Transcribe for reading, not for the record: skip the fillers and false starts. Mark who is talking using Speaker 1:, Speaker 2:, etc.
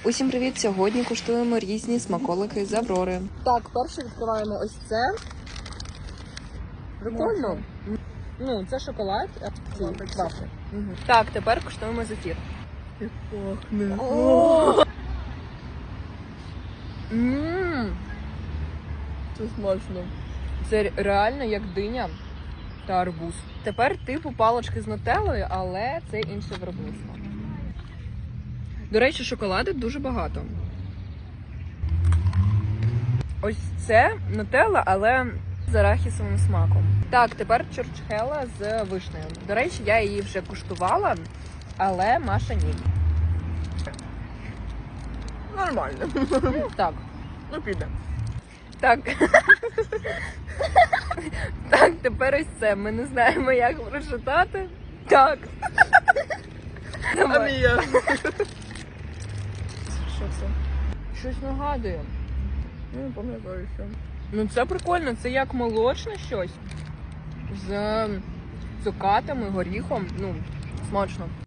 Speaker 1: Усім привіт! Сьогодні куштуємо різні смаколики з Аврори.
Speaker 2: Так, перше відкриваємо ось це. Прикольно. Ну, це шоколад, а ці вафлі.
Speaker 1: Так, тепер куштуємо зефір.
Speaker 2: Як пахне. Це смачно.
Speaker 1: Це реально як диня та арбуз. Тепер типу палички з нутеллою, але це інше виробництво. До речі, шоколаду дуже багато. Ось це нутелла, але з арахісовим смаком. Так, тепер чурчхела з вишнею. До речі, я її вже куштувала, але Маша ні.
Speaker 2: Нормально.
Speaker 1: Так.
Speaker 2: Ну, піде.
Speaker 1: Так. Так, тепер ось це. Ми не знаємо, як прочитати. Так. Давай.
Speaker 2: Амія.
Speaker 1: Що це? Щось нагадує.
Speaker 2: Не пам'ятаю, що.
Speaker 1: Ну це прикольно, це як молочне щось. З цукатами, горіхом. Ну, смачно.